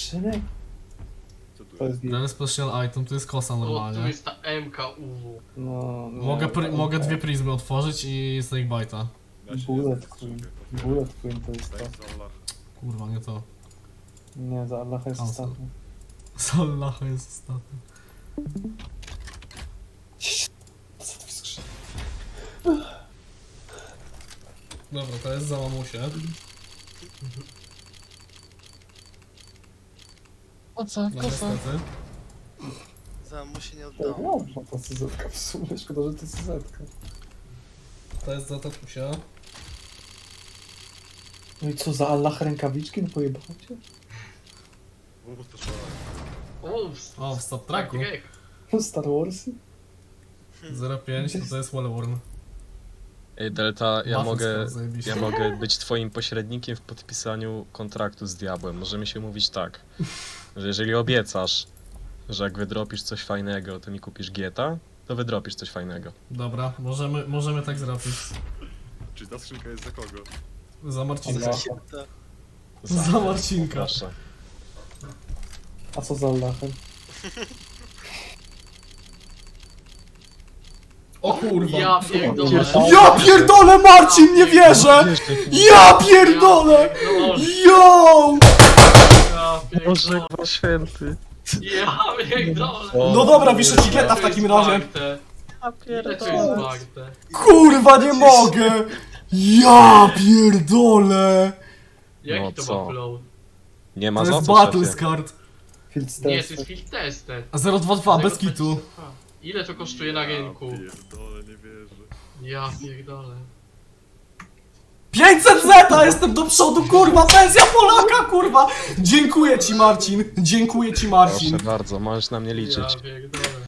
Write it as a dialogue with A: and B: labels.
A: skrzynek?
B: Co tu
A: To
B: jest?
A: jest...
C: Ten special item, tu jest kosa
D: O, tu
C: normalnie.
D: jest ta MKUW.
A: No, nie,
C: Mogę dwie prizmy otworzyć i Snakebite'a.
B: Da się
A: Bullet
B: nie
A: Queen.
B: skrzynkę.
A: Bullet Queen to jest to.
B: Tak, za Allah.
C: Kurwa, nie to.
A: Nie, za Allaha jest
C: Cancel.
A: ostatni.
C: Sallaha jest ostatni.
A: Co to jest skrzynek?
C: Dobra, to jest za mamusię.
E: O co?
C: No
E: Kosa?
C: niestety.
E: Za mu się nie
A: To
E: oddało.
A: no, ta CZ-ka w sumie, szkoda, że to CZ-ka.
C: To jest za tatusia.
A: No i co, za Allah rękawiczki? No pojebało cię?
B: To szalone.
C: O, w Star Treku.
A: No Star Warsy?
C: 05 to jest Wallworn.
F: Ej, Delta,
C: Zajebiście.
F: ja mogę być twoim pośrednikiem w podpisaniu kontraktu z diabłem. Możemy się mówić tak, że jeżeli obiecasz, że jak wydropisz coś fajnego, to mi kupisz Gieta, to wydropisz coś fajnego.
C: Dobra, możemy tak zrobić.
B: Czy ta skrzynka jest za kogo?
C: Za Marcinka.
A: Allah.
C: Za Marcinka.
F: Proszę.
A: A co za Allahem?
C: O kurwa.
D: Ja pierdolę.
C: Ja pierdolę, Marcin, nie wierzę! Ja pierdolę! Yo!
D: Ja
F: Boże,
D: pierdolę.
F: święty.
D: Ja pierdolę.
C: No dobra, wiszę ci geta w takim razie.
D: Ile to jest warte?
C: Kurwa, nie mogę! Ja pierdolę!
D: Jaki
F: No
D: to
F: co?
D: ma flow?
F: Nie ma
C: To
F: za
C: jest
F: co,
C: battle
F: szefie.
C: card.
A: Field
D: Nie, to jest
A: Tester.
D: field tested.
C: A 022, bez kitu.
D: Ile to kosztuje na rynku?
B: Ja pierdolę, nie wierzę.
D: Ja pierdolę.
C: 500 zeta, jestem do przodu, kurwa, pensja Polaka, kurwa! Dziękuję ci, Marcin, dziękuję ci, Marcin.
F: Proszę bardzo, możesz na mnie liczyć.
D: Ja pierdolę.